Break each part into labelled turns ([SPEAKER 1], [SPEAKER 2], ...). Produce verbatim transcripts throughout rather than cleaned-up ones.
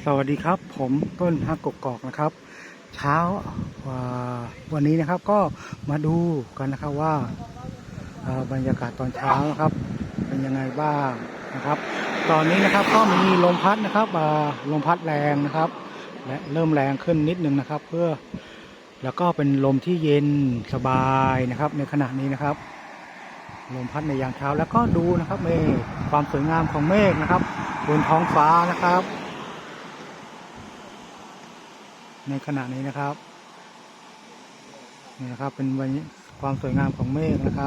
[SPEAKER 1] สวัสดีครับผมต้นฮักกกอกนะครับเช้าวันนี้นะครับก็มาดูกันนะครับว่าบรรยากาศตอนเช้านะครับเป็นยังไงบ้างนะครับตอนนี้นะครับก็มีลมพัดนะครับลมพัดแรงนะครับและเริ่มแรงขึ้นนิดนึงนะครับเพื่อแล้วก็เป็นลมที่เย็นสบายนะครับในขณะนี้นะครับลมพัดในยามเช้าแล้วก็ดูนะครับเมฆความสวยงามของเมฆนะครับบนท้องฟ้านะครับในขณะนี้นะครับนี่นะครับเป็นความสวยงามของเมฆนะครับ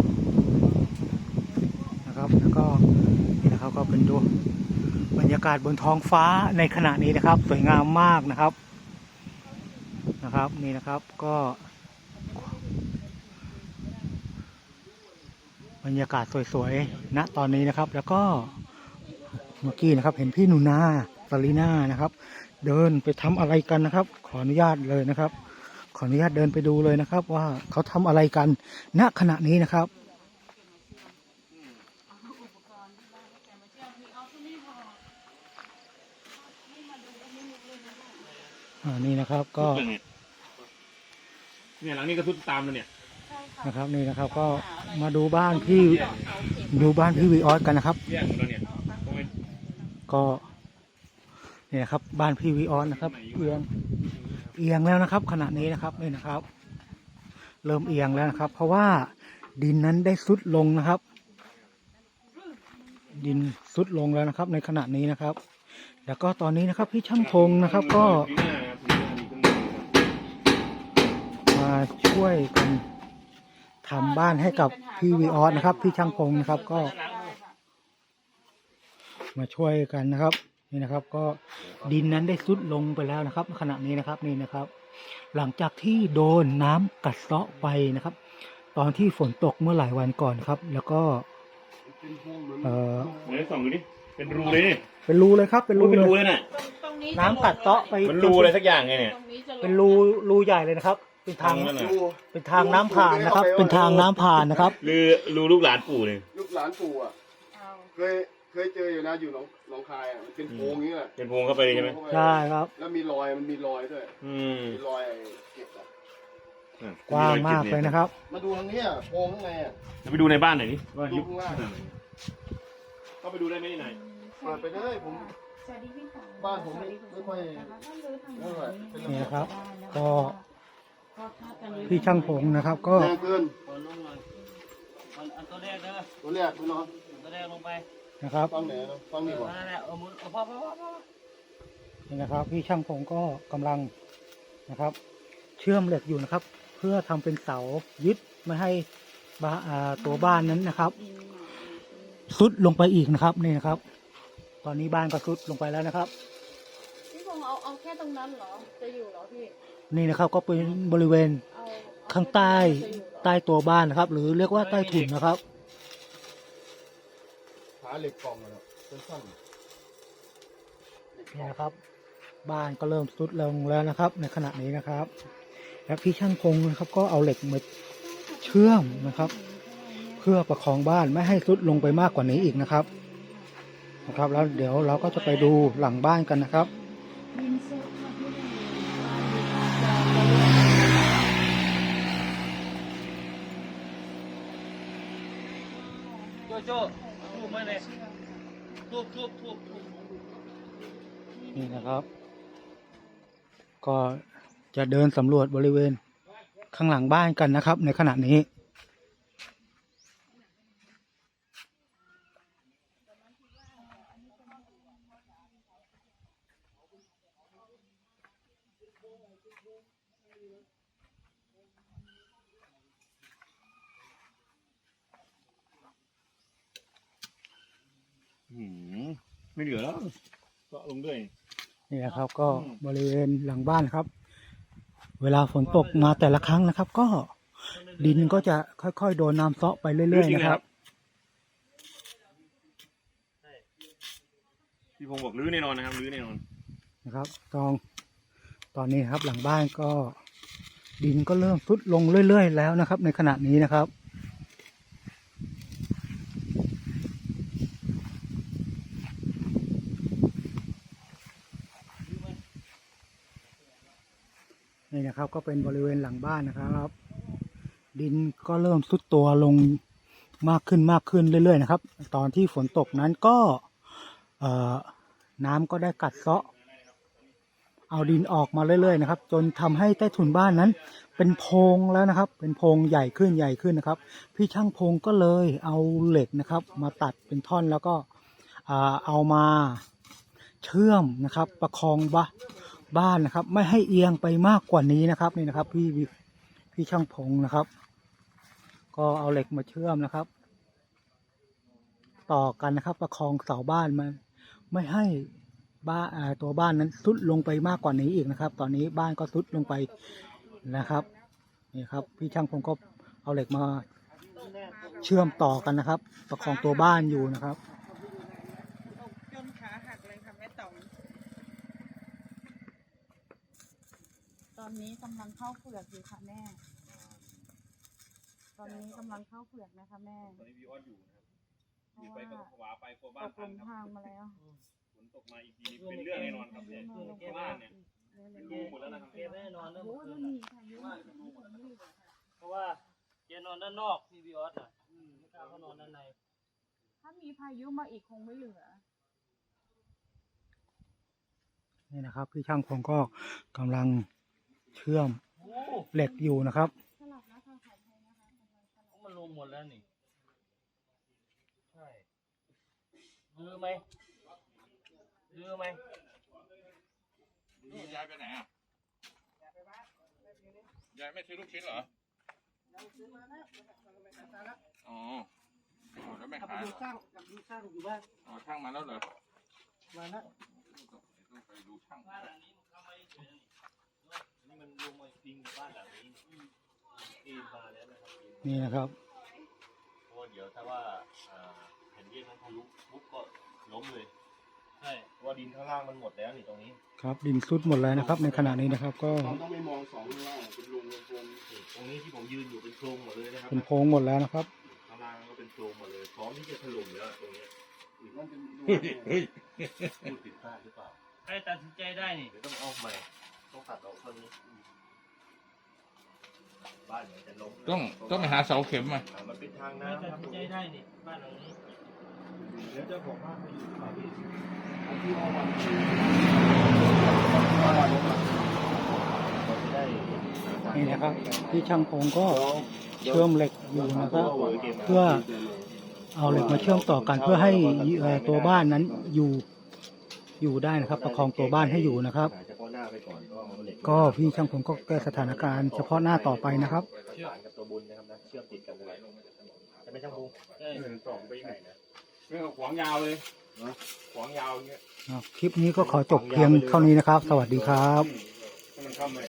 [SPEAKER 1] นะครับแล้วก็นี่นะครับก็เป็นดูบรรยากาศบนท้องฟ้าในขณะนี้นะครับสวยงามมากนะครับนะครับนี่นะครับก็บรรยากาศสวยๆณตอนนี้นะครับแล้วก็เมื่อกี้นะครับเห็นพี่หนูนาซาลีน่านะครับเดินไปทำอะไรกันนะครับขออนุญาตเลยนะครับขออนุญาตเดินไปดูเลยนะครับว่าเขาทำอะไรกันณขณะนี้นะครับอ่านี่นะครับก็
[SPEAKER 2] เนี่ยหลังนี้ก็ทุบตามเลยเนี่ย
[SPEAKER 1] นะครับนี่นะครับก็มาดูบ้านพี่ดูบ้านพี่วีออสกันนะครับก็นี่นะครับบ้านพี่วีออสนะครับเอียงเอียงแล้วนะครับขณะนี้นะครับนี่นะครับเริ่มเอียงแล้วนะครับเพราะว่าดินนั้นได้ทรุดลงนะครับดินทรุดลงแล้วนะครับในขณะนี้นะครับแล้วก็ตอนนี้นะครับพี่ช่างพงนะครับก็มาช่วยกันทำบ้านให้กับพี่วีออสนะครับพี่ช่างพงนะครับก็มาช่วยกันนะครับนี่นะครับก็ดินนั้นได้ทรุดลงไปแล้วนะครับขณะนี้นะครับนี่นะครับหลังจากที่โดนน้ำกัดเซาะไปนะครับตอนที่ฝนตกเมื่อหลายวันก่อนครับแล้วก็เอ่อ
[SPEAKER 2] ไหนส่องดูดิเป็นรูเลย
[SPEAKER 1] เป็นรูเลยครับเป็นรู
[SPEAKER 2] เลยน่ะ
[SPEAKER 1] น้ำกัดเซาะไป
[SPEAKER 2] มันรูอะไรสักอย่างไงเนี่ย
[SPEAKER 1] เป็นรูรูใหญ่เลยนะครับเป็นทางเป็นทางน้ำผ่านนะครับเป็นทางน้ำผ่านนะครับ
[SPEAKER 2] รูรูลูกหลานปู่เลย
[SPEAKER 3] ลูกหลานปู่อ่ะเคยเคยเจออยู่นะอยู่หนองหนองคายอ่ะมันเป็นโพรงนี้แหละ
[SPEAKER 2] เป็นโพรงเข้าไปใช่ไหม
[SPEAKER 1] ใช่ครับ
[SPEAKER 3] แล้วมีรอยมันมีรอยด้วยมีรอยเก็บอ่ะ
[SPEAKER 1] กว้างมากเลยนะครับ
[SPEAKER 3] มาดูทางนี้อ่ะโพรงข้างในอ่ะ
[SPEAKER 2] ไปดูในบ้านหน่อยดิว่า
[SPEAKER 3] ยุบข้างล่าง
[SPEAKER 2] เข้าไปดูได้ไหมที่ไหน
[SPEAKER 3] เปิดไปเลยผมบ้านผมไม่ค่อย
[SPEAKER 1] นี่นะครับก็พี่ช่างผมนะครับก็
[SPEAKER 3] แรงเกินตัวแรกเด้อตัวแรกพี่น้อง
[SPEAKER 1] ตัวแรกลงไปนะครับ
[SPEAKER 3] ฟังไหนนะฟังนี่ก่อน
[SPEAKER 1] นี่นะครับพี่ช่างผมก็กำลังนะครับเชื่อมเหล็กอยู่นะครับเพื่อทำเป็นเสายึดไม่ให้บ้าตัวบ้านนั้นนะครับทรุดลงไปอีกนะครับนี่นะครับตอนนี้บ้านก็ทรุดลงไปแล้วนะครับ
[SPEAKER 4] พี่พงษ์เอาเอาแค่ตรงนั้นเหรอจะอยู่เหรอพี่
[SPEAKER 1] นี่นะครับก็เป็นบริเวณข้างใต้ใต้ตัวบ้านนะครับหรือเรียกว่าใต้ถุนนะครับ
[SPEAKER 3] หาเหล็กกล่องมาแล้วสั้น
[SPEAKER 1] นี่นะครับบ้านก็เริ่มทรุดลงแล้วนะครับในขณะนี้นะครับและพี่ช่างพงนะครับก็เอาเหล็กมาเชื่อมนะครับเพื่อประคองบ้านไม่ให้ทรุดลงไปมากกว่านี้อีกนะครับนะครับแล้วเดี๋ยวเราก็จะไปดูหลังบ้านกันนะครับ
[SPEAKER 5] โจโจ้ทูบมาเลยทูบทูบทูบ
[SPEAKER 1] นี่นะครับก็จะเดินสำรวจบริเวณข้างหลังบ้านกันนะครับในขณะนี้
[SPEAKER 2] ไม่เหลือแล้วก็ลงด้วย
[SPEAKER 1] นี่นะครับก็บริเวณหลังบ้านครับเวลาฝนตกมาแต่ละครั้งนะครับ ก็ดินก็จะค่อยๆโดนน้ำเซาะไปเรื่อยๆนะครับ
[SPEAKER 2] พี่พงศ์บอกรื้อแน่นอนนะครับรื้อแน่นอน
[SPEAKER 1] นะครับตอนตอนนี้ครับหลังบ้านก็ดินก็เริ่มทรุดลงเรื่อยๆแล้วนะครับในขณะนี้นะครับนี่นะครับ ก็เป็นบริเวณหลังบ้านนะครับ ดินก็เริ่มทรุดตัวลงมากขึ้นมากขึ้นเรื่อยๆนะครับ ตอนที่ฝนตกนั้นก็เอ่อน้ำก็ได้กัดเซาะเอาดินออกมาเรื่อยๆนะครับ จนทำให้ใต้ถุนบ้านนั้น เป็นโพรงแล้วนะครับ เป็นโพรงใหญ่ขึ้นใหญ่ขึ้นนะครับ พี่ช่างพงก็เลยเอาเหล็กนะครับ มาตัดเป็นท่อนแล้วก็เอามาเชื่อมนะครับ ประคองบ้าบ้านนะครับ ไม่ให้เอียงไปมากกว่านี้นะครับนี่นะครับ พี่พี่ช่างพงนะครับ ก็เอาเหล็กมาเชื่อมนะครับ ต่อกันนะครับ ประคองเสาบ้านมาไม่ให้บ้านตัวบ้านนั้นทรุดลงไปมากกว่านี้อีกนะครับ ตอนนี้บ้านก็ทรุดลงไปนะครับนี่ครับ พี่ช่างพงก็เอาเหล็กมาเชื่อมต่อกันนะครับ ประคองตัวบ้านอยู่นะครับ
[SPEAKER 6] จนขาหักเลยค่ะแม่ต๋อม
[SPEAKER 4] ตอนนี้กำลังเข้าเผือกอยู่ค่ะแม่ ตอนนี้กำลังเข้าเผือกนะคะแม่
[SPEAKER 2] ตอนนี้พี่ออสอยู่นะครับ
[SPEAKER 4] เพ
[SPEAKER 2] อยู่
[SPEAKER 4] ราะ
[SPEAKER 2] ไปก็
[SPEAKER 4] ว่า
[SPEAKER 2] ผวาไปกลัว
[SPEAKER 4] ต
[SPEAKER 2] บ้าน
[SPEAKER 4] ก
[SPEAKER 2] พั
[SPEAKER 4] ล
[SPEAKER 2] ง
[SPEAKER 4] ง
[SPEAKER 2] ครับ
[SPEAKER 4] ทางมาแล้ว
[SPEAKER 2] ฝนตกมาอีกทีนี่เป็นเรื่องแน่นอนครับเนี่ยบ้านเนี่ยรูหมดแล้วนะครับ
[SPEAKER 5] แกไม่ได้นอนแล้ว
[SPEAKER 4] โอ้
[SPEAKER 5] เมื่
[SPEAKER 4] ย
[SPEAKER 5] อคื
[SPEAKER 4] มัน
[SPEAKER 5] น
[SPEAKER 4] มี
[SPEAKER 5] น่ะ
[SPEAKER 4] พายุมันไม่เหลือค่ะ
[SPEAKER 5] เพราะว่าแกนอนด้านนอกพี่บีออสอ่ะไม่กล้าเขานอนด้านใน
[SPEAKER 4] ถ้ามีพายุมาอีกคงไม่เหลือ
[SPEAKER 1] นี่นะครับ พี่ช่างพงก็กำลังเชื่อม
[SPEAKER 5] โอ้
[SPEAKER 1] เหล็กอยู่นะครับ
[SPEAKER 4] สลับนะคะขออภัยนะคะกำลังสลับ
[SPEAKER 5] มันรวมหมดแล้วนี่ใช่ดื้อไหมดื้อไหม
[SPEAKER 7] ยายไปไหนอ่ะยายไม่ซื้อลูกชิ้นเหรออ๋ออ๋อแล้วไม่ขายเหรอ
[SPEAKER 5] สร้างกับดูสร้างอยู่บ้าน
[SPEAKER 7] อ๋อช่างมาแล้วเหรอ
[SPEAKER 5] มาแล้ว
[SPEAKER 7] ต้องไปดูช่าง
[SPEAKER 5] บ้านหลังนี้มันทำไมเฉยนี่มันรวมมาจริงกับบ้านหลังนี้ปีนมาแล้วนะครับ
[SPEAKER 1] นี่นะครับ
[SPEAKER 2] เพราะว่าเดี๋ยวถ้าว่าอ่าแผ่นดินมันทะลุปุ๊บก็ล้มเลย
[SPEAKER 5] ใช่
[SPEAKER 2] เพราะว่าดินข้างล่างมันหมดแล้วนี่ตรงนี้
[SPEAKER 1] ครับดินทรุดหมดแล้วนะครับ ในขณะนี้นะครับ ก็
[SPEAKER 3] เราต้องไม่มองสองข้างล่างเป็นลุงเป็นโพง
[SPEAKER 2] นี่ตรงนี้ที่ผมยืนอยู่เป็นโพรงหมดเลยนะครับ
[SPEAKER 1] เป็นโพรงหมดแล้วนะครับ
[SPEAKER 2] ข้างล่างก็เป็นโพรงหมดเลยพร้อมที่จะถล่มแล้วตรงนี้
[SPEAKER 3] นั่นเป็นลุง
[SPEAKER 2] พูดผิดพลาดหรือเปล่า
[SPEAKER 5] ใครตัดสินใจได้นี่
[SPEAKER 2] เดี๋ยวต้องเอาใหม่ต้องตัดออกต้นนี้บ้านเนี่ยจะล้ม
[SPEAKER 7] ต้องต้องไปหาเสาเข็มมา
[SPEAKER 2] อ่ามันเป็นทาง
[SPEAKER 5] ใคร
[SPEAKER 2] น้ำ
[SPEAKER 5] ตัด
[SPEAKER 2] ครับ
[SPEAKER 5] สินใจได้นี่บ้านหลังนี้
[SPEAKER 2] เดี๋ยวเจ้าของบ้านไปอยู่ที่ไหนพี่
[SPEAKER 3] ที่เอาวัน
[SPEAKER 2] จะได้
[SPEAKER 1] นี่นะครับ พี่ช่างพงก็เชื่อมเหล็กอยู่นะครับ เพื่อเอาเหล็กมาเชื่อมต่อกันเพื่อให้เอ่อตัวบ้านนั้นอยู่อยู่ได้นะครับ ประคองตัวบ้านให้อยู่นะครับ
[SPEAKER 2] เฉพาะหน้าไปก่อนก็เอาเหล็ก
[SPEAKER 1] ก็พี่ช่างพงก็แก้สถานการณ์เฉพาะหน้าต่อไปนะครับ
[SPEAKER 2] ประสานกับตัวบุญนะครับนะเชื่อมติดกันเลยจะไม่ช่างพุง
[SPEAKER 5] ใช่
[SPEAKER 2] หนึ่งสองไปไหนนะเรื่องขวางยาวเลยขวางยาวอย่างเงี้ย
[SPEAKER 1] คลิปนี้ก็ขอจบเพียงเท่านี้นะครับ สวัสดีครับ
[SPEAKER 2] ให้มันเข้ามา